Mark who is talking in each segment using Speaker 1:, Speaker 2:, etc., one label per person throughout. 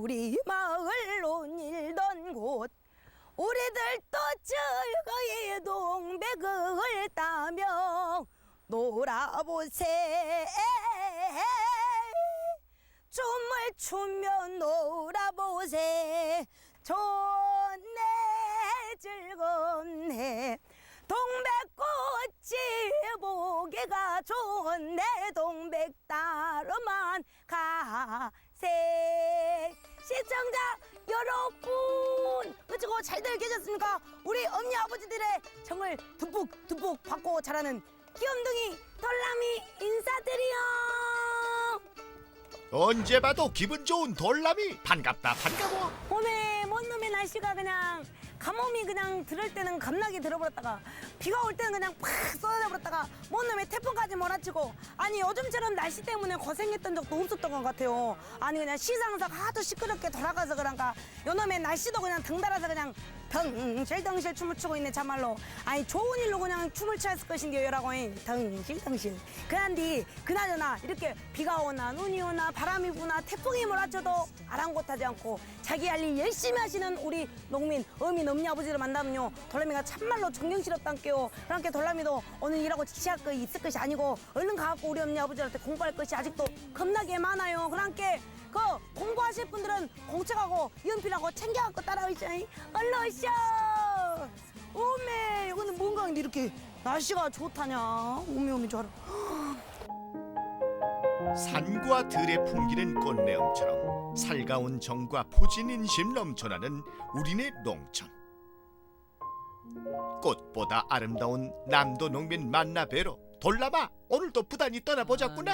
Speaker 1: 우리 마을 논일던 곳 우리들도 즐거이 동백을 따며 놀아보세. 춤을 추며 놀아보세. 좋네 즐겁네 동백꽃이 보기가 좋네 동백따로만 가세. 시청자 여러분 그치고 잘들 계셨습니까? 우리 엄니 아버지들의 정을 듬뿍 받고 자라는 귀염둥이 돌람이 인사드려.
Speaker 2: 언제 봐도 기분 좋은 돌람이 반갑다 반가워.
Speaker 1: 오늘 뭔 놈의 날씨가 그냥 가뭄이 그냥 들을 때는 겁나게 들어버렸다가 비가 올 때는 그냥 팍 쏟아져버렸다가 뭔 놈의 태풍까지 몰아치고 아니 요즘처럼 날씨 때문에 고생했던 적도 없었던 것 같아요. 아니 그냥 시상석 하도 시끄럽게 돌아가서 그런가 요놈의 날씨도 그냥 덩달아서 그냥 덩실덩실 춤을 추고 있네 참말로. 아니 좋은 일로 그냥 춤을 췄을 것인데요 여라고 덩실덩실. 그런데 그나저나 이렇게 비가 오나 눈이 오나 바람이 부나 태풍이 몰아쳐도 아랑곳하지 않고 자기 할 일 열심히 하시는 우리 농민 어민 엄니 아버지를 만나면요 돌람이가 참말로 존경스럽단께요. 그러니까 돌람이도 오늘 일하고 지치할 거 있을 것이 아니고 얼른 가갖고 우리 엄니 아버지한테 공부할 것이 아직도 겁나게 많아요. 그러니까 그 공부하실 분들은 공책하고 연필하고 챙겨갖고 따라오시죠. 얼른 오시오. 오메 이거는 뭔가 근데 이렇게 날씨가 좋다냐. 오메 좋아라.
Speaker 2: 산과 들에 풍기는 꽃내음처럼 살가운 정과 포진인심 넘쳐나는 우리네 농촌. 꽃보다 아름다운 남도 농민 만나 뵈러 돌람아 오늘도 부단히 떠나보자꾸나.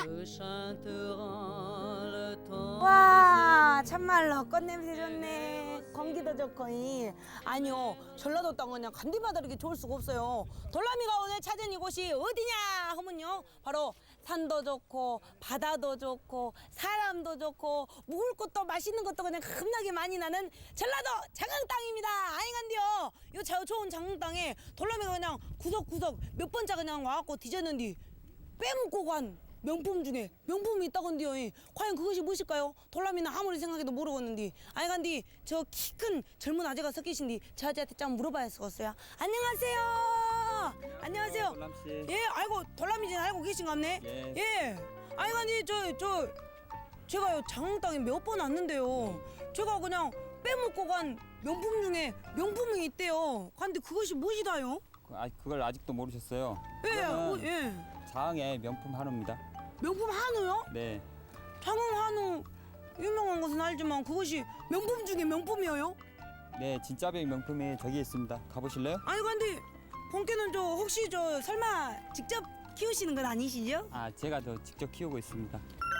Speaker 1: 와 참말로 꽃냄새 좋네. 공기도 좋고 아니요 전라도 땅은 그냥 간디마다 이렇게 좋을 수가 없어요. 돌람이가 오늘 찾은 이곳이 어디냐 하면요 바로 산도 좋고 바다도 좋고 사람도 좋고 먹을 것도 맛있는 것도 그냥 겁나게 많이 나는 전라도 장흥 땅입니다. 아잉한데요 요 좋은 장흥 땅에 돌람이가 그냥 구석구석 몇 번째 그냥 와갖고 뒤졌는데 빼먹고 간 명품 중에 명품이 있다건데요. 과연 그것이 무엇일까요? 돌람이는 아무리 생각해도 모르겠는데 아이간디 저 키 큰 젊은 아재가 섞이신디 저 아재한테 좀 물어봐야 쓰겠어요. 안녕하세요. 안녕하세요.
Speaker 3: 돌람씨.
Speaker 1: 예, 아이고 돌람이진 알고 계신갑네.
Speaker 3: 예.
Speaker 1: 예. 아이간디 제가요 장흥 땅에 몇 번 왔는데요. 제가 그냥 빼먹고 간 명품 중에 명품이 있대요. 근데 그것이 무엇이다요?
Speaker 3: 그걸 아직도 모르셨어요?
Speaker 1: 예, 예.
Speaker 3: 장흥의 명품 한우입니다.
Speaker 1: 명품 한우요?
Speaker 3: 네.
Speaker 1: 장흥 한우 유명한 것은 알지만 그것이 명품 중에 명품이에요?
Speaker 3: 네, 진짜백 명품이 저기 있습니다. 가보실래요?
Speaker 1: 아니 근데 본께는 혹시 설마 직접 키우시는 건 아니시죠?
Speaker 3: 아, 제가 직접 키우고 있습니다.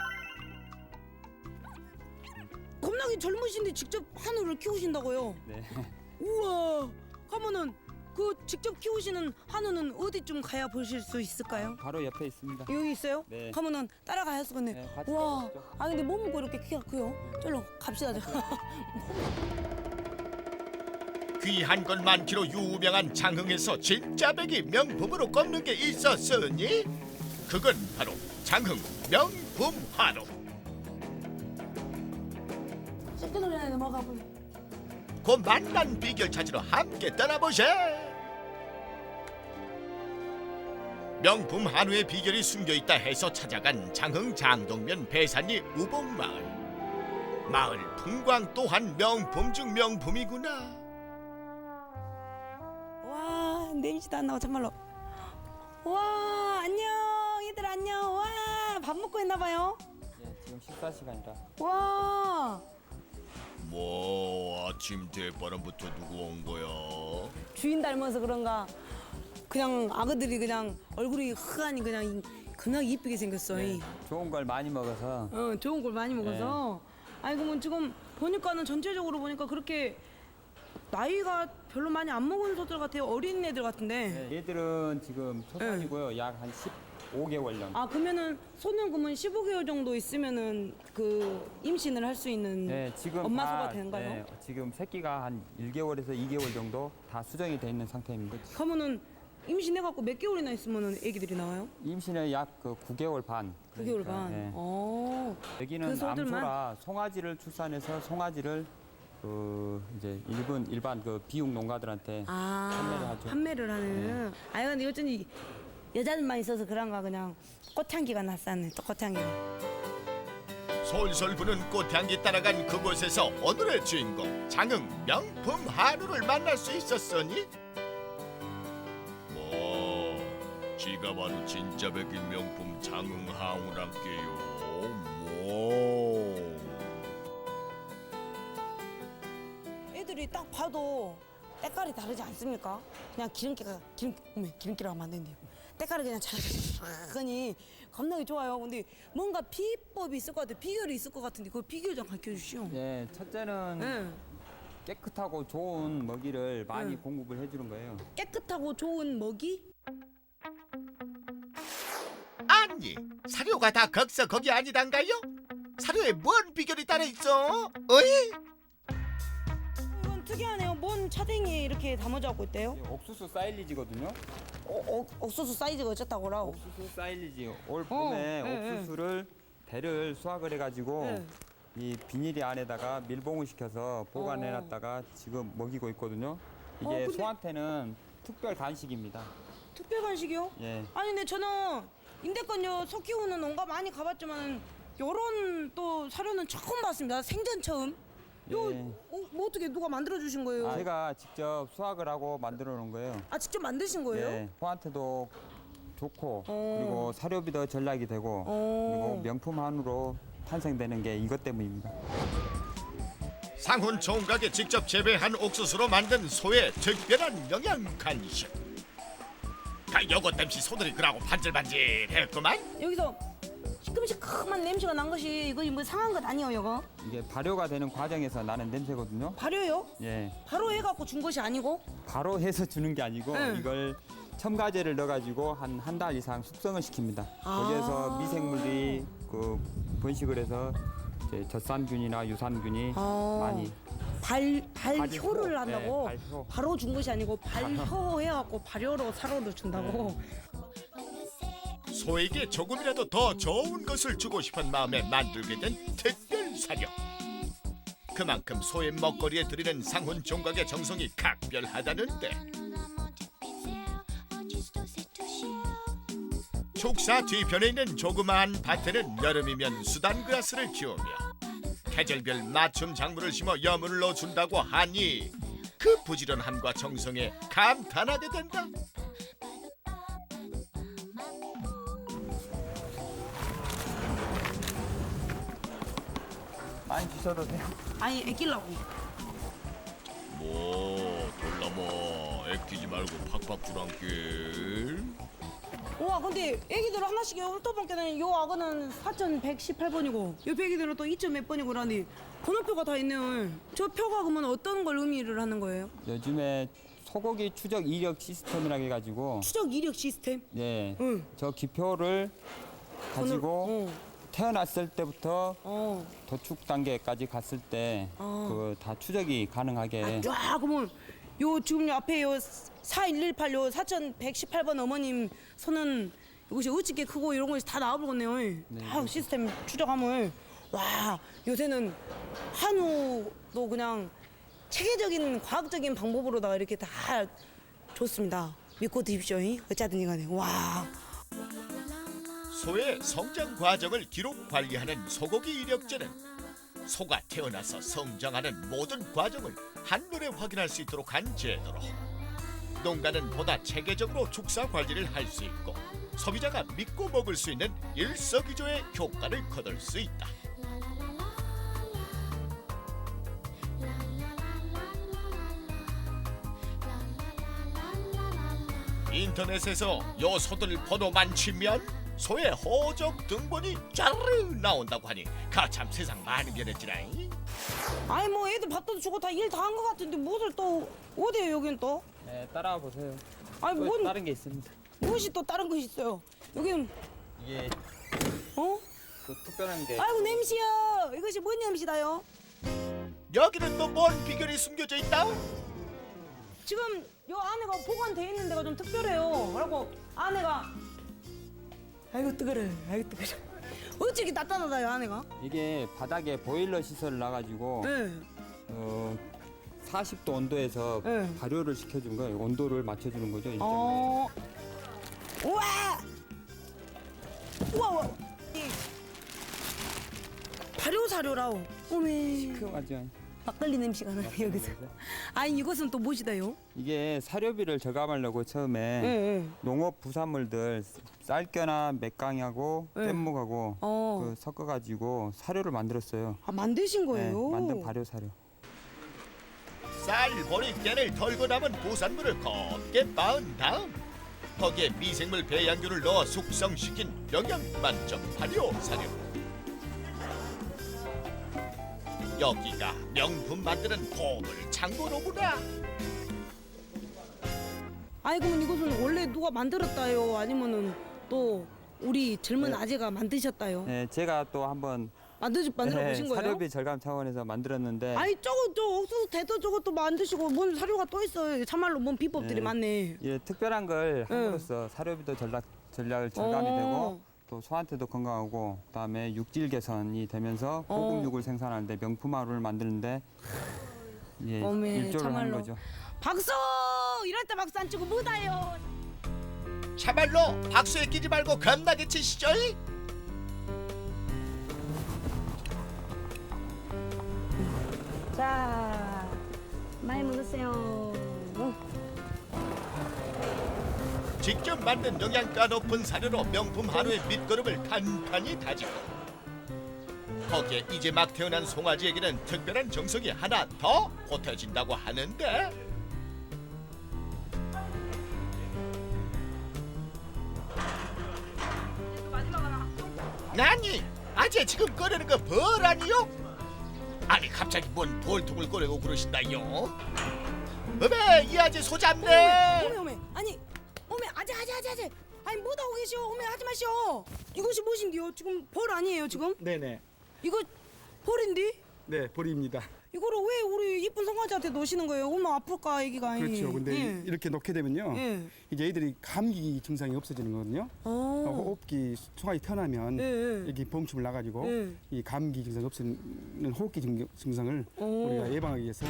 Speaker 1: 겁나게 젊으신데 직접 한우를 키우신다고요?
Speaker 3: 네.
Speaker 1: 우와 하면은 그 직접 키우시는 한우는 어디쯤 가야 보실 수 있을까요?
Speaker 3: 바로 옆에 있습니다.
Speaker 1: 여기 있어요?
Speaker 3: 네.
Speaker 1: 가면은 따라가야겠네.
Speaker 3: 네, 같이
Speaker 1: 우와
Speaker 3: 가보시죠.
Speaker 1: 아 근데 뭐 먹고 이렇게 키가 크요? 절로 갑시다.
Speaker 2: 귀한 것 많기로 유명한 장흥에서 진짜 백이 명품으로 꼽는 게 있었으니 그건 바로 장흥 명품 한우.
Speaker 1: 씻기 전에 넘어가보요.
Speaker 2: 그 만난 비결 찾으러 함께 떠나보세. 명품 한우의 비결이 숨겨있다 해서 찾아간 장흥 장동면 배산리 우봉마을. 마을 풍광 또한 명품 중 명품이구나.
Speaker 1: 와 냄새도 안 나고 정말로. 와 안녕 얘들 안녕. 와 밥 먹고 있나 봐요.
Speaker 3: 예, 지금 식사 시간이라.
Speaker 1: 와
Speaker 2: 뭐 아침 대바람부터 누구 온 거야?
Speaker 1: 주인 닮아서 그런가 그냥 아그들이 그냥 얼굴이 흐하니 그냥 그냥 이쁘게 생겼어.
Speaker 3: 네, 좋은 걸 많이 먹어서.
Speaker 1: 좋은 걸 많이 먹어서. 아니 그러면 지금 보니까는 전체적으로 보니까 그렇게 나이가 별로 많이 안 먹은 소들 같아요. 어린 애들 같은데.
Speaker 3: 네, 얘들은 지금 초산이고요. 약 한 15개월령.
Speaker 1: 아 그러면은 소는 그러면 15개월 정도 있으면은 그 임신을 할 수 있는
Speaker 3: 네, 지금
Speaker 1: 엄마
Speaker 3: 다,
Speaker 1: 소가 되는가요?
Speaker 3: 네, 지금 새끼가 한 1개월에서 2개월 정도 다 수정이 돼 있는 상태입니다.
Speaker 1: 그러면은 임신해갖고 몇 개월이나 있으면 애기들이 나와요?
Speaker 3: 임신에 약 그 9개월 반.
Speaker 1: 9개월
Speaker 3: 그러니까,
Speaker 1: 반.
Speaker 3: 예. 여기는
Speaker 1: 그 소들만?
Speaker 3: 암소라 송아지를 출산해서 송아지를 그 이제 일반 그 비육 농가들한테 판매를 하죠.
Speaker 1: 판매를 하는. 아유, 근데 어쩐지 여자들만 있어서 그런가 그냥 꽃향기가 났었네. 또 꽃향기가.
Speaker 2: 솔솔 부는 꽃향기 따라간 그곳에서 오늘의 주인공 장흥 명품 한우를 만날 수 있었으니 뭐 지가 바로 진짜 백인 명품 장흥 한우란께요. 뭐
Speaker 1: 애들이 딱 봐도 때깔이 다르지 않습니까? 그냥 기름기라고 하면 안 된대요. 때깔이 그냥 자르니 겁나게 좋아요. 근데 뭔가 비법이 있을 것 같아요. 비결이 있을 것 같은데 그 비결 좀 가르쳐 주시오.
Speaker 3: 예, 첫째는
Speaker 1: 응.
Speaker 3: 깨끗하고 좋은 먹이를 많이
Speaker 1: 응.
Speaker 3: 공급을 해주는 거예요.
Speaker 1: 깨끗하고 좋은 먹이?
Speaker 2: 아니 사료가 다 거기서 거기 아니단가요? 사료에 뭔 비결이 따라 있어? 어이?
Speaker 1: 이건 특이하네요. 뭔 차댕이에 이렇게 담아져 갖고 있대요?
Speaker 3: 이게 옥수수 사일리지거든요.
Speaker 1: 옥수수 사이즈가 어쨌다고라.
Speaker 3: 옥수수 사일리지. 올 봄에
Speaker 1: 네,
Speaker 3: 옥수수를 배를 수확을 해가지고
Speaker 1: 네.
Speaker 3: 이 비닐이 안에다가 밀봉을 시켜서 보관해놨다가 지금 먹이고 있거든요. 이게
Speaker 1: 근데-
Speaker 3: 소한테는 특별 간식입니다.
Speaker 1: 특별 간식이요?
Speaker 3: 예.
Speaker 1: 아니 근데 저는 인대권요 소 키우는 농가 많이 가봤지만 요런 또 사료는 처음 봤습니다. 생전 처음. 요
Speaker 3: 예.
Speaker 1: 뭐 어떻게 누가 만들어 주신 거예요?
Speaker 3: 제가 직접 수확을 하고 만들어 놓은 거예요.
Speaker 1: 아 직접 만드신 거예요?
Speaker 3: 예. 소한테도 좋고
Speaker 1: 어.
Speaker 3: 그리고 사료비도 절약이 되고 그리고 명품 한우로 탄생되는 게 이것 때문입니다.
Speaker 2: 상훈 총각이 직접 재배한 옥수수로 만든 소의 특별한 영양 간식. 요것 땜시 소들이 그라고 반질반질했구만.
Speaker 1: 여기서 시큼시큼한 냄새가 난 것이 이거 뭐 상한 것 아니에요, 이거?
Speaker 3: 이게 발효가 되는 과정에서 나는 냄새거든요.
Speaker 1: 발효요?
Speaker 3: 예.
Speaker 1: 바로 해갖고 준 것이 아니고?
Speaker 3: 바로 해서 주는 게 아니고
Speaker 1: 네.
Speaker 3: 이걸 첨가제를 넣어가지고 한 달 이상 숙성을 시킵니다. 거기에서 미생물이 그 번식을 해서 이제 젖산균이나 유산균이 많이
Speaker 1: 발효를 한다고?
Speaker 3: 네, 발효.
Speaker 1: 바로 준 것이 아니고 발효해갖고 발효로 사료를 준다고?
Speaker 2: 소에게 조금이라도 더 좋은 것을 주고 싶은 마음에 만들게 된 특별 사료. 그만큼 소의 먹거리에 들이는 상훈 총각의 정성이 각별하다는데 축사 뒤편에 있는 조그마한 밭에는 여름이면 수단그라스를 키우며 계절별 맞춤 작물을 심어 여물을 넣어준다고 하니 그 부지런함과 정성에 감탄하게 된다.
Speaker 3: 많이 주셔도 돼요.
Speaker 1: 아니 애끼려고.
Speaker 2: 뭐 돌나뭐 애끼지 말고 팍팍 주란께.
Speaker 1: 우와 근데 애기들 하나씩 훑어보니까는 요 악어는 4118번이고 요 애기들은 또 2점 몇 번이고 그러니 번호표가 다 있네요. 저 표가 그러면 어떤 걸 의미를 하는 거예요?
Speaker 3: 요즘에 소고기 추적 이력 시스템이라고 해가지고
Speaker 1: 추적 이력 시스템?
Speaker 3: 예,
Speaker 1: 응.
Speaker 3: 저 기표를 가지고 태어났을 때부터 도축 단계까지 갔을 때 그 다 추적이 가능하게
Speaker 1: 야 그러면 요 지금 요 앞에 요 4118, 요 4118번 어머님 손은 이것이 어찌게 크고 이런 것이 다 나와버렸네요. 다 시스템 추적하면 와 요새는 한우도 그냥 체계적인 과학적인 방법으로다가 이렇게 다 좋습니다. 믿고 드십시오. 어쩌든지 간에 와.
Speaker 2: 소의 성장 과정을 기록 관리하는 소고기 이력제는 소가 태어나서 성장하는 모든 과정을 한눈에 확인할 수 있도록 한 제도로 농가는 보다 체계적으로 축사 관리를 할 수 있고 소비자가 믿고 먹을 수 있는 일석이조의 효과를 거둘 수 있다. 인터넷에서 요 소들 번호만 치면 소의 호적 등본이 짜르르 나온다고 하니 가참 세상 많이 변했지라잉.
Speaker 1: 아니 뭐 애들 밥도 주고 다 일 다 한 것 같은데 무엇을 또 어디에요 여긴 또?
Speaker 3: 네, 따라와 보세요.
Speaker 1: 아니
Speaker 3: 또
Speaker 1: 뭔
Speaker 3: 다른 게 있습니다.
Speaker 1: 무엇이 또 다른 것이 있어요? 여기는
Speaker 3: 이게
Speaker 1: 어?
Speaker 3: 또 특별한 게
Speaker 1: 아이고 냄새야. 이것이 뭔 냄새다요?
Speaker 2: 여기는 또 뭔 비결이 숨겨져 있다?
Speaker 1: 지금 요 안에가 보관돼 있는 데가 좀 특별해요. 그리고 안에가 아이고 뜨거워. 아이고 뜨거워. 어찌 이렇게 따뜻하다요 안에가?
Speaker 3: 이게 바닥에 보일러 시설을 놔가지고
Speaker 1: 네.
Speaker 3: 40도 온도에서
Speaker 1: 네.
Speaker 3: 발효를 시켜준 거예요. 온도를 맞춰주는 거죠. 일정하게.
Speaker 1: 우와! 우와! 우와. 이 발효사료라오. 오메.
Speaker 3: 시큼하죠.
Speaker 1: 막걸리 냄새가 나요 여기서. 아니 이것은 또 무엇이다요?
Speaker 3: 이게 사료비를 저감하려고 처음에
Speaker 1: 네.
Speaker 3: 농업 부산물들 쌀겨나 맥강하고
Speaker 1: 네.
Speaker 3: 뗏목하고 섞어가지고 사료를 만들었어요.
Speaker 1: 아 만드신 거예요?
Speaker 3: 만든 발효 사료.
Speaker 2: 쌀, 보리, 깨를 덜고 남은 부산물을 곱게 빻은 다음 거기에 미생물 배양균을 넣어 숙성시킨 영양 만점 발효 사료. 여기가 명품 만드는 보물 창고로구나.
Speaker 1: 아니 그러면 이것은 원래 누가 만들었다요? 아니면은 또 우리 젊은 아재가 만드셨다요?
Speaker 3: 네, 제가 또 한번
Speaker 1: 만들어 보신 거예요?
Speaker 3: 사료비 절감 차원에서 만들었는데
Speaker 1: 아니 저거 저 옥수수 대도 저것도 만드시고 뭔 사료가 또 있어요. 참말로 뭔 비법들이
Speaker 3: 네.
Speaker 1: 많네.
Speaker 3: 예, 특별한 걸 함으로써 사료비도 전략 절감이 되고 또 소한테도 건강하고 그다음에 육질 개선이 되면서 고급육을 생산하는데 명품화를 만드는데 예,
Speaker 1: 어메,
Speaker 3: 일조를 하는
Speaker 1: 참말로.
Speaker 3: 거죠.
Speaker 1: 박수! 이럴 때 박수 안 치고 뭐다요?
Speaker 2: 참말로 박수에 끼지 말고 겁나게 치시죠.
Speaker 1: 자, 많이 먹으세요.
Speaker 2: 직접 만든 영양가 높은 사료로 명품 한우의 밑거름을 단단히 다지고 거기에 이제 막 태어난 송아지에게는 특별한 정성이 하나 더 보태진다고 하는데 나니 아재 지금 꺼내는 거 벌 아니요? 아니 갑자기 뭔 벌통을 꺼내고 그러신다요? 어메 이 아재 소잡네.
Speaker 1: 오메. 아니, 오메 아재. 아니 뭐다 오고 계시오? 오메 하지 마시오. 이것이 무엇인데요? 지금 벌 아니에요 지금?
Speaker 4: 네네.
Speaker 1: 이거 벌인데?
Speaker 4: 네, 보리입니다.
Speaker 1: 이거를 왜 우리 이쁜 송아지한테 놓으시는 거예요? 얼마나 아플까 애기가.
Speaker 4: 그렇죠. 근데
Speaker 1: 예.
Speaker 4: 이렇게 놓게 되면요.
Speaker 1: 예.
Speaker 4: 이제 애들이 감기 증상이 없어지는 거거든요. 호흡기 송아지 태어나면
Speaker 1: 예.
Speaker 4: 여기 봉침을 나가지고
Speaker 1: 예.
Speaker 4: 이 감기 증상이 없어지는 호흡기 증상을 우리가 예방하기 위해서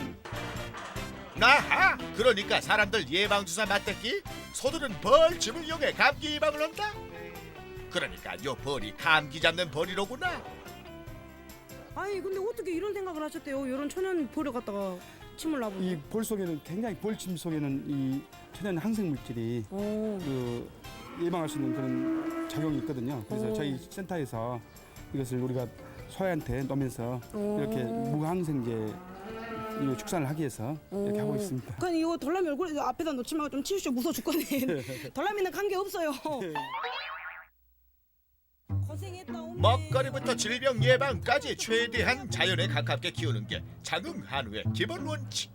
Speaker 2: 아하 그러니까 사람들 예방주사 맞댔기 소들은 벌집을 이용해 감기 예방을 한다. 그러니까 요 벌이 감기 잡는 벌이로구나.
Speaker 1: 아니 근데 어떻게 이런 생각을 하셨대요? 이런 천연 벌을 갖다가 침을 놔보고.
Speaker 4: 이 벌 속에는 굉장히 벌침 속에는 이 천연 항생 물질이 그 예방할 수 있는 그런 작용이 있거든요. 그래서 저희 센터에서 이것을 우리가 소한테 놓으면서 이렇게 무항생제 이 축산을 하기 위해서 이렇게 하고 있습니다.
Speaker 1: 그냥 이거 덜라미 얼굴 앞에다 놓지 말고 좀 치우시오. 무서워 죽겠네. 덜라미는 관계 없어요. 고생했다 오메.
Speaker 2: 먹거리부터 질병 예방까지 최대한 자연에 가깝게 키우는 게 장흥 한우의 기본 원칙.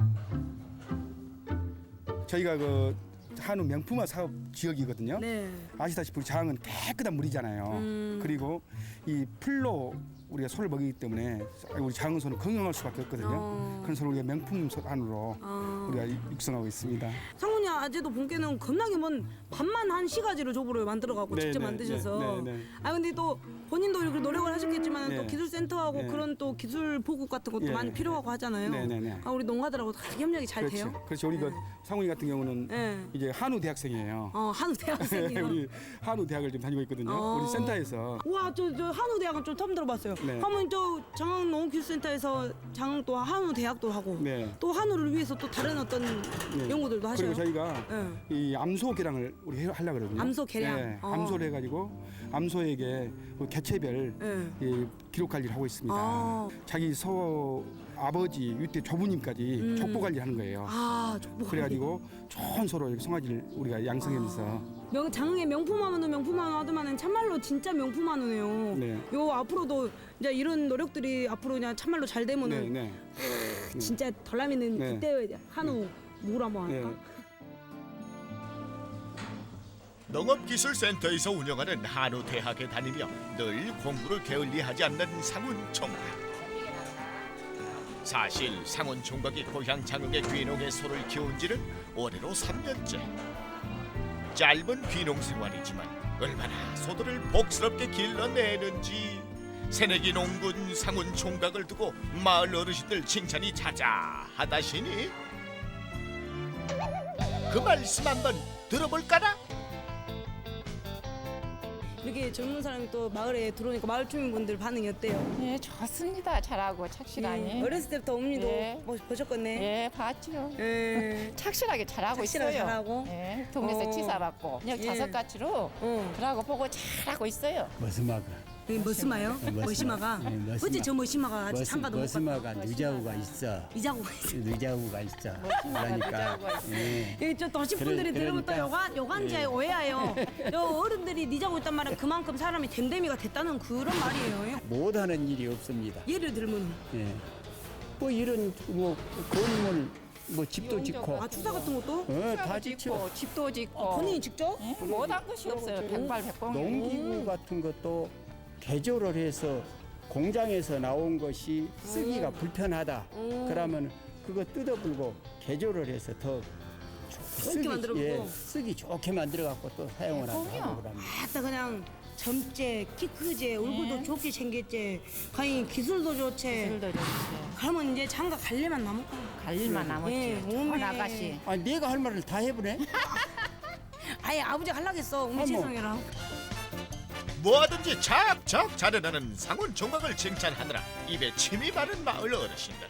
Speaker 4: 저희가 그 한우 명품화 사업 지역이거든요.
Speaker 1: 네.
Speaker 4: 아시다시피 우리 장은 깨끗한 물이잖아요. 그리고 이 풀로 우리가 소를 먹이기 때문에 우리 장은 소는 건강할 수밖에 없거든요. 그런 소를 우리가 명품 한우로 우리가 육성하고 있습니다.
Speaker 1: 상훈이 아재도 본께는 겁나게 뭔 밥만 한 시가지를 조부를 만들어갖고
Speaker 4: 네,
Speaker 1: 직접
Speaker 4: 네,
Speaker 1: 만드셔서.
Speaker 4: 네, 네.
Speaker 1: 아 근데 또 본인도 이렇게 노력을 하셨겠지만
Speaker 4: 네.
Speaker 1: 또 기술센터하고
Speaker 4: 네.
Speaker 1: 그런 또 기술 보급 같은 것도
Speaker 4: 예.
Speaker 1: 많이 필요하고 하잖아요.
Speaker 4: 네, 네, 네.
Speaker 1: 아 우리 농가들하고 다 협력이 잘
Speaker 4: 그렇죠.
Speaker 1: 돼요.
Speaker 4: 그렇죠. 우리 그 상훈이 같은 경우는
Speaker 1: 네.
Speaker 4: 이제 한우 대학생이에요.
Speaker 1: 한우 대학생이요.
Speaker 4: 우리 한우 대학을 지금 다니고 있거든요.
Speaker 1: 어.
Speaker 4: 우리 센터에서
Speaker 1: 와, 저 한우 대학은 좀 처음 들어봤어요.
Speaker 4: 네.
Speaker 1: 하면 저 장흥 농업기술센터에서 장흥 또 한우 대학도 하고
Speaker 4: 네.
Speaker 1: 또 한우를 위해서 또 다른 어떤
Speaker 4: 네.
Speaker 1: 연구들도 하셔요.
Speaker 4: 그리고 저희가
Speaker 1: 네.
Speaker 4: 이 암소 개량을 우리 하려고 그러거든요.
Speaker 1: 암소 개량?
Speaker 4: 네,
Speaker 1: 어.
Speaker 4: 암소를 해가지고 암소에게 그 개체별
Speaker 1: 네.
Speaker 4: 이 기록 관리를 하고 있습니다.
Speaker 1: 아.
Speaker 4: 자기 소 아버지 유대 조부님까지 족보 관리하는 거예요.
Speaker 1: 족보.
Speaker 4: 그래가지고 좋은 소로 이렇게 송아지를 우리가 양성하면서
Speaker 1: 장흥의 명품 한우 하더만은 참말로 진짜 명품 한우네요.
Speaker 4: 네.
Speaker 1: 요 앞으로도 이제 이런 노력들이 앞으로 그냥 참말로 잘
Speaker 4: 네,
Speaker 1: 되면은
Speaker 4: 네,
Speaker 1: 진짜 덜라미는
Speaker 4: 네.
Speaker 1: 그때 한우 물 한번
Speaker 4: 네.
Speaker 1: 할까?
Speaker 2: 농업기술센터에서 운영하는 한우 대학에 다니며 늘 공부를 게을리하지 않는 상훈 총각. 사실 상훈 총각이 고향 장흥의 귀농에 소를 키운 지는 올해로 3년째. 짧은 귀농 생활이지만 얼마나 소들을 복스럽게 길러내는지 새내기 농군 상훈 총각을 두고 마을 어르신들 칭찬이 자자하다시니 그 말씀 한번 들어볼까나?
Speaker 1: 이렇게 젊은 사람이 또 마을에 들어오니까 마을 주민분들 반응이 어때요?
Speaker 5: 예, 좋습니다. 잘하고 착실하니.
Speaker 1: 어렸을 때부터 어머니도
Speaker 5: 예.
Speaker 1: 보셨겠네.
Speaker 5: 예, 봤죠.
Speaker 1: 예.
Speaker 5: 착실하게 잘하고
Speaker 1: 착실하게
Speaker 5: 있어요.
Speaker 1: 잘하고?
Speaker 5: 예, 동네에서
Speaker 1: 어.
Speaker 5: 치사받고 그냥
Speaker 1: 예.
Speaker 5: 자석같이로 그러고 보고 잘하고 있어요.
Speaker 6: 머스마가
Speaker 1: 머스마요? 머시마가?
Speaker 6: 네, 머스마.
Speaker 1: 어째 저 머시마가 아직 장가도 못 갔다.
Speaker 6: 머스마가 누자우가 있어.
Speaker 1: 이자고가 있어.
Speaker 6: 누자우가 있어.
Speaker 5: 누자우가
Speaker 6: 그러니까
Speaker 5: 있어.
Speaker 6: 예.
Speaker 1: 예, 저 도시분들이
Speaker 6: 그래,
Speaker 1: 들으면 또
Speaker 6: 그러니까.
Speaker 1: 요간지에 오해해요. 저 어른들이 니자고 있단 말은 그만큼 사람이 댐댐이가 됐다는 그런 말이에요.
Speaker 6: 못하는 일이 없습니다.
Speaker 1: 예를 들면
Speaker 6: 예. 뭐 이런 뭐 건물 뭐 집도 짓고
Speaker 1: 주사 같은 것도
Speaker 6: 다 짓고
Speaker 5: 집도 짓고
Speaker 1: 본인이 직접?
Speaker 5: 예, 못한 것이 없어요. 백발백공.
Speaker 6: 농기구 같은 것도 개조를 해서 공장에서 나온 것이 쓰기가 불편하다. 그러면 그거 뜯어불고 개조를 해서 더
Speaker 1: 좋게 만들어보고.
Speaker 6: 쓰기 좋게 만들어 갖고 또 사용을 하고
Speaker 5: 그럼요.
Speaker 6: 그럽니다.
Speaker 1: 아따 그냥 젊제, 키 크제, 얼굴도
Speaker 5: 예.
Speaker 1: 좋게 생겼제, 가히 기술도 좋제.
Speaker 5: 술도 좋지.
Speaker 1: 그러면 이제 장가 갈 일만 남았고.
Speaker 5: 갈 일만 남았지.
Speaker 1: 예,
Speaker 5: 좋은
Speaker 1: 오메.
Speaker 5: 아가씨.
Speaker 6: 아, 내가 할 말을 다 해보네.
Speaker 1: 아예 아버지가 하려겠어.
Speaker 6: 어머.
Speaker 1: 음치성이랑.
Speaker 2: 뭐든지 착착 잘해내는 상훈 총각을 칭찬하느라 입에 침이 마른 마을 어르신들.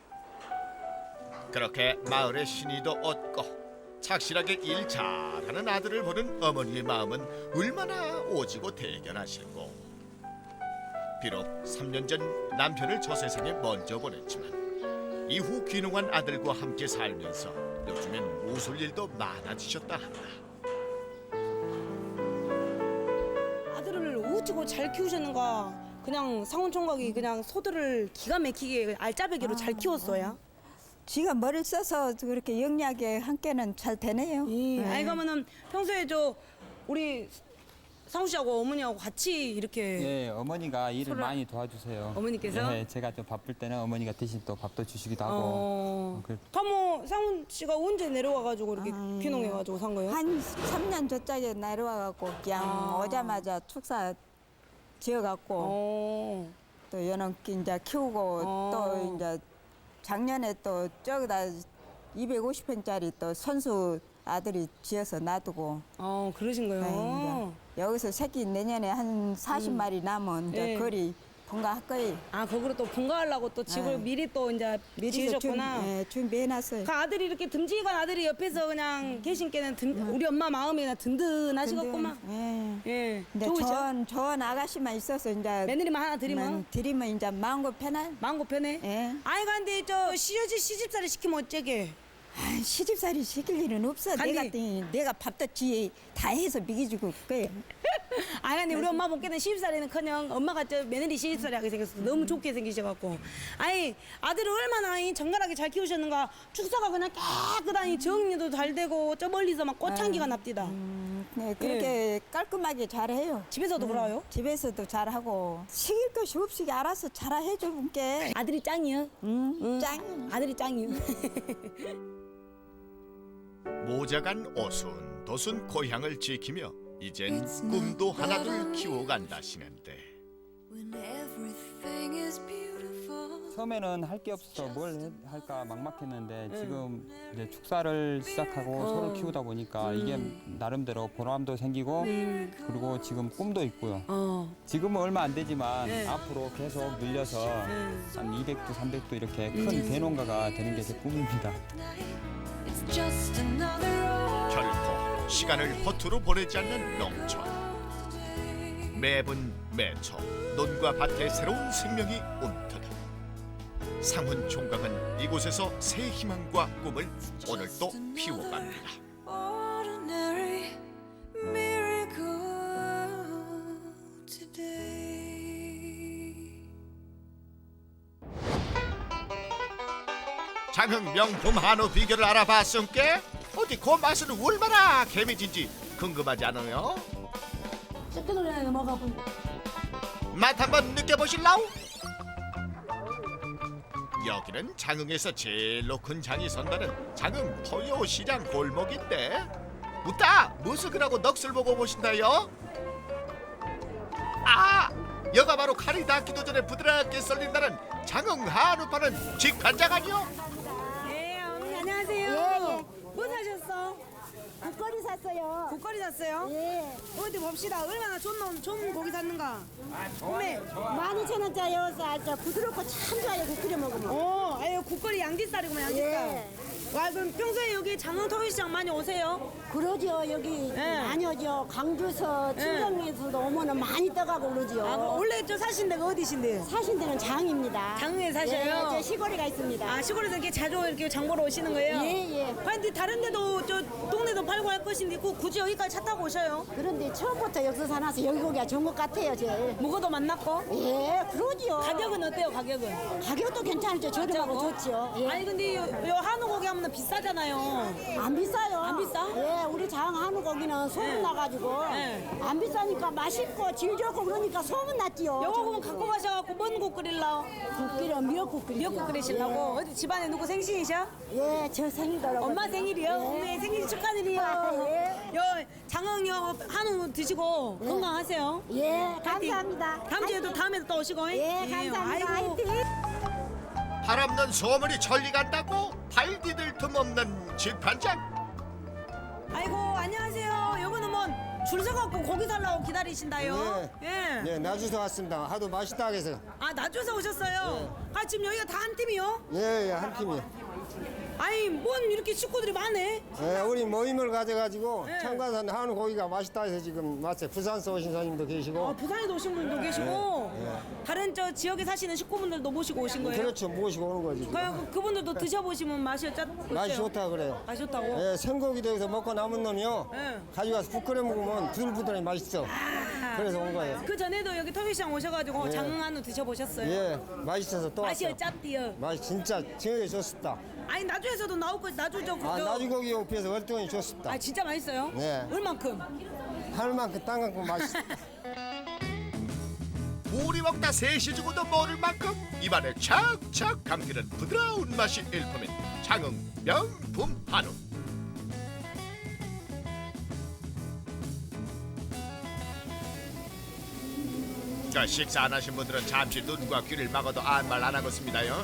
Speaker 2: 그렇게 마을의 신의도 얻고 착실하게 일 잘하는 아들을 보는 어머니의 마음은 얼마나 오지고 대견하실고. 비록 3년 전 남편을 저 세상에 먼저 보냈지만 이후 귀농한 아들과 함께 살면서 요즘엔 웃을 일도 많아지셨다 한다.
Speaker 1: 아들을 어찌고 잘 키우셨는가. 그냥 상훈 총각이 그냥 소들을 기가 막히게 알짜배기로 잘 키웠어요.
Speaker 7: 쥐가 머리를 써서 그렇게 영리하게 함께는 잘 되네요.
Speaker 1: 예. 아이 그러면은 평소에 저 우리 상우 씨하고 어머니하고 같이 이렇게
Speaker 3: 예, 어머니가 일을
Speaker 1: 서로-
Speaker 3: 많이 도와주세요.
Speaker 1: 어머니께서?
Speaker 3: 예, 제가 좀 바쁠 때는 어머니가 대신 또 밥도 주시기도 하고. 그-
Speaker 1: 그럼 상훈 씨가 언제 내려와가지고 이렇게 귀농해가지고 산 거예요?
Speaker 7: 한 3년 저짝에 내려와갖고 그냥 오자마자 축사 지어갖고
Speaker 1: 어.
Speaker 7: 또 연원기 이제 키우고 또 이제 작년에 또 저기다 250평짜리 또 선수 아들이 지어서 놔두고
Speaker 1: 그러신 거예요.
Speaker 7: 네, 이제 여기서 새끼 내년에 한 40마리 남은 이제
Speaker 1: 네.
Speaker 7: 거리 본가할 거예요.
Speaker 1: 거기로 또 분가하려고 또 집을
Speaker 7: 네.
Speaker 1: 미리 또 이제 지으셨구나.
Speaker 7: 준비해놨어요.
Speaker 1: 그 아들이 이렇게 듬직한 아들이 옆에서 그냥 계신 게는 우리 엄마 마음이 그냥 든든하시겠구만. 예.
Speaker 7: 근데
Speaker 1: 좋으셔.
Speaker 7: 좋은 아가씨만 있어서 이제
Speaker 1: 며느리만 하나 드리면
Speaker 7: 드리면 이제 마음고 편한.
Speaker 1: 마음 고편해.
Speaker 7: 예.
Speaker 1: 아이 근데 저 시집살이 시키면 어쩌게?
Speaker 7: 아, 시집살이 시킬 일은 없어.
Speaker 1: 아니.
Speaker 7: 내가 밥도 지 다 해서 먹여주고 그래.
Speaker 1: 아니 근데 우리 엄마 보기에는 시집살이는커녕 엄마가 저 며느리 시집살이하게 생겼어. 너무 좋게 생기셔갖고. 아니 아들을 얼마나 정갈하게 잘 키우셨는가. 축사가 그냥 깨끗하니 정리도 잘 되고 저 멀리서 막 꽃향기가 납디다.
Speaker 7: 네, 그렇게 깔끔하게 잘해요.
Speaker 1: 집에서도 그래요?
Speaker 7: 집에서도 잘하고 시킬 것이 없이 알아서 잘 해주는 게
Speaker 1: 아들이 짱이요?
Speaker 7: 짱.
Speaker 1: 아들이 짱이요.
Speaker 2: 모자간 오순도순 고향을 지키며 이젠 꿈도 하나둘 키워간다시는데
Speaker 8: When everything is beautiful.
Speaker 3: 처음에는 할 게 없어서 뭘 할까 막막했는데 지금 이제 축사를 시작하고 소를 키우다 보니까 이게 나름대로 보람도 생기고 그리고 지금 꿈도 있고요. 지금은 얼마 안 되지만 앞으로 계속 늘려서 한 200도, 300도 이렇게 큰 대농가가 되는 게 제 꿈입니다.
Speaker 8: It's just another road.
Speaker 2: 결코 시간을 허투루 보내지 않는 농촌. 매분 매초 논과 밭에 새로운 생명이 움트다. 상훈 총각은 이곳에서 새 희망과 꿈을 오늘도 피워갑니다.
Speaker 8: Ordinary miracle today.
Speaker 2: 장흥 명품 한우 비결을 알아봤음께 어디 그 맛은 얼마나 개미진지 궁금하지 않아요?
Speaker 1: 새끼 놀이나 넘어가고.
Speaker 2: 맛 한번 느껴보실라우? 여기는 장흥에서 제일로 큰 장이 선다는 장흥 토요시장 골목인데 웃다 무스그라고 넋을 보고 보신다요? 아! 여가 바로 칼이 닿기도 전에 부드럽게 썰린다는 장흥 한우 파는 직관장 아니요?
Speaker 1: 예, 어머니 안녕하세요. 뭐 사셨어?
Speaker 9: 국거리 샀어요.
Speaker 1: 국거리 샀어요?
Speaker 9: 예.
Speaker 1: 어디 봅시다. 얼마나 좋은 고기 샀는가? 어메.
Speaker 9: 12,000원짜리 저 부드럽고 참 좋아요. 국 끓여 먹으면.
Speaker 1: 아유 국거리 양지살이구만 양지살.
Speaker 9: 예.
Speaker 1: 와 그럼 평소에 여기 장흥 토요시장 많이 오세요?
Speaker 9: 그러죠. 여기
Speaker 1: 예.
Speaker 9: 많이 오죠. 강주서 친정에서도 오면은 많이 떠가고 그러죠.
Speaker 1: 아 그럼 원래 저 사신 데가 어디신데요?
Speaker 9: 사신 데는 장입니다.
Speaker 1: 장흥에 사셔요?
Speaker 9: 예, 저 시골이가 있습니다.
Speaker 1: 아 시골에서 이렇게 자주 이렇게 장 보러 오시는 거예요?
Speaker 9: 예, 예.
Speaker 1: 근데 다른 데도 저 동네도 팔고 할 것인데 굳이 여기까지 차 타고 오셔요?
Speaker 9: 그런데 처음부터 여기서 사놔서 여기 고기가 좋은 것 같아요. 제일.
Speaker 1: 무거도 만났고?
Speaker 9: 예, 그러죠.
Speaker 1: 가격은 어때요 가격은?
Speaker 9: 가격도 괜찮죠. 저렴하고 좋죠. 예.
Speaker 1: 아니 근데 요 한우 고기 하면 비싸잖아요.
Speaker 9: 안 비싸요.
Speaker 1: 안 비싸?
Speaker 9: 예, 우리 장 한우 고기는 소문 나가지고
Speaker 1: 네.
Speaker 9: 안 비싸니까 맛있고 질 좋고 그러니까 소문 났지요.
Speaker 1: 요거 그럼 갖고 가셔갖고 뭔 국 끓일라?
Speaker 9: 국기를 미역국 끓이죠.
Speaker 1: 미역국 끓이시려고? 어디 집안에 누구 생신이셔?
Speaker 9: 예, 저 생일더라고.
Speaker 1: 엄마 생일이요? 엄마 생일 축하드려요.
Speaker 9: 예.
Speaker 1: 요 장흥 요 한우 드시고 건강하세요.
Speaker 9: 예, 감사합니다.
Speaker 1: 다음 주에도 다음에도 또 오시고.
Speaker 9: 예, 감사합니다.
Speaker 1: 아이고.
Speaker 9: 화이팅.
Speaker 2: 바람난 소문이 천리 간다고 발 디딜 틈 없는 직관장.
Speaker 1: 아이고 안녕하세요. 요거는 뭐 줄 서갖고 고기 달라고 기다리신다요? 예.
Speaker 10: 네, 나주서 왔습니다. 하도 맛있다 해서.
Speaker 1: 아 나주에서 오셨어요? 아 지금 여기가 다 한 팀이요?
Speaker 10: 예, 예, 한 팀이.
Speaker 1: 아니 뭔 이렇게 식구들이 많네?
Speaker 10: 예, 우리 모임을 가져가지고
Speaker 1: 네.
Speaker 10: 청가산 한우 고기가 맛있다 해서 지금 왔어요. 부산서 오신 손님도 계시고.
Speaker 1: 아, 부산에도 오신 분도 계시고 다른 저 지역에 사시는 식구분들도 모시고 오신 거예요?
Speaker 10: 그렇죠, 모시고 오는 거지. 지금.
Speaker 1: 그분들도 드셔보시면 맛이 어때요?
Speaker 10: 맛이 좋다 그래요.
Speaker 1: 맛이 좋다고?
Speaker 10: 예, 생고기도 여기서 먹고 남은 놈이요.
Speaker 1: 네.
Speaker 10: 가져가서 국 끓여 먹으면 부들부들하게 맛있어. 그래서 온 거예요.
Speaker 1: 그 전에도 여기 터비시장 오셔가지고
Speaker 10: 예.
Speaker 1: 장흥 한우 드셔보셨어요?
Speaker 10: 예, 맛있어서 또
Speaker 1: 맛이
Speaker 10: 왔어요.
Speaker 1: 어쨌디요?
Speaker 10: 맛이 진짜 정말 좋습니다.
Speaker 1: 아니 나주에서도 나오고 나주 저
Speaker 10: 아,
Speaker 1: 그죠?
Speaker 10: 나주고기 옆에서 월등히 좋습니다.
Speaker 1: 아 진짜 맛있어요?
Speaker 10: 네.
Speaker 1: 얼만큼?
Speaker 10: 하늘만큼 땅만큼 맛있어.
Speaker 2: 우리 먹다 셋이 죽어도 모를 만큼 입안에 착착 감기는 부드러운 맛이 일품인 장흥 명품 한우. 자, 식사 안 하신 분들은 잠시 눈과 귀를 막아도 아무 말 안 하겠습니다요.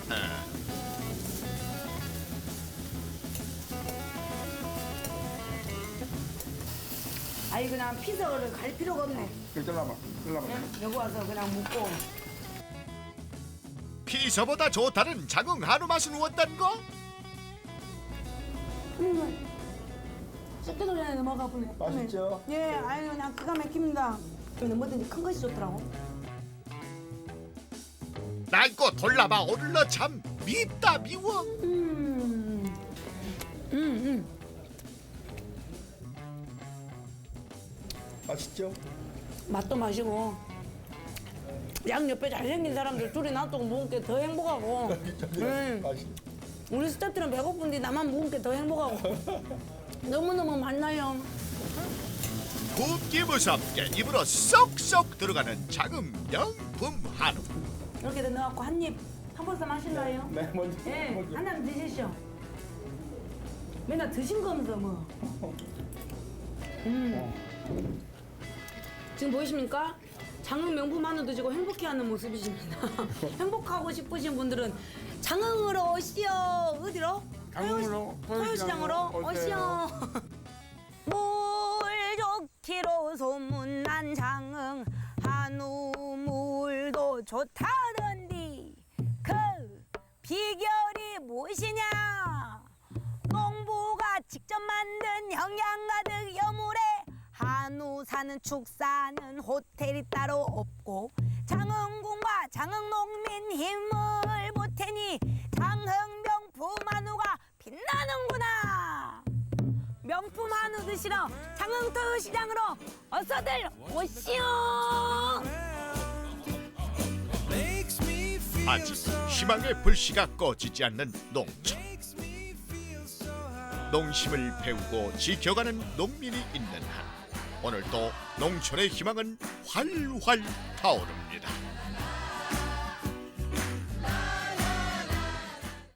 Speaker 1: 아이 그냥 피서를 갈 필요가 없네.
Speaker 4: 잘라봐.
Speaker 1: 여기 와서 그냥 묵고.
Speaker 2: 피서보다 좋다는 장흥 한우 맛은 어떤 거?
Speaker 1: 씹기도 전에 넘어가 보네.
Speaker 4: 맛있죠?
Speaker 1: 예, 아유 그냥 기가 막힙니다. 저는 뭐든지 큰 것이 좋더라고.
Speaker 2: 낡고 돌라봐 오를러 참 밉다 미워.
Speaker 4: 맛있죠?
Speaker 1: 맛도 마시고 양 옆에 잘생긴 사람들 둘이 놔두고 먹은 게 더 행복하고 우리 스태프들은 배고픈데 나만 먹은 게 더 행복하고 너무너무 맛나요.
Speaker 2: 굽기 무섭게 입으로 쏙쏙 들어가는 장흥 명품 한우.
Speaker 1: 이렇게 넣어갖고 한 입 한 번씩 마실래요?
Speaker 4: 네, 먼저.
Speaker 1: 예, 한잔 드시죠. 맨날 드신 거면서 뭐. 지금 보이십니까? 장흥 명품 한우 드시고 행복해하는 모습이십니다. 행복하고 싶으신 분들은 장흥으로 오시오. 어디로?
Speaker 4: 장흥으로,
Speaker 1: 토요시장으로 오시오. 물 좋기로 소문난 장흥 한우 물도 좋다던디 그 비결이 무엇이냐? 농부가 직접 만든 영양 가득 여물에 한우 사는 축사는 호텔이 따로 없고 장흥군과 장흥농민 힘을 보태니 장흥 명품 한우가 빛나는구나. 명품 한우 드시러 장흥토요시장으로 어서들 오시오.
Speaker 2: 아직 희망의 불씨가 꺼지지 않는 농촌. 농심을 배우고 지켜가는 농민이 있는 한 오늘도 농촌의 희망은 활활 타오릅니다.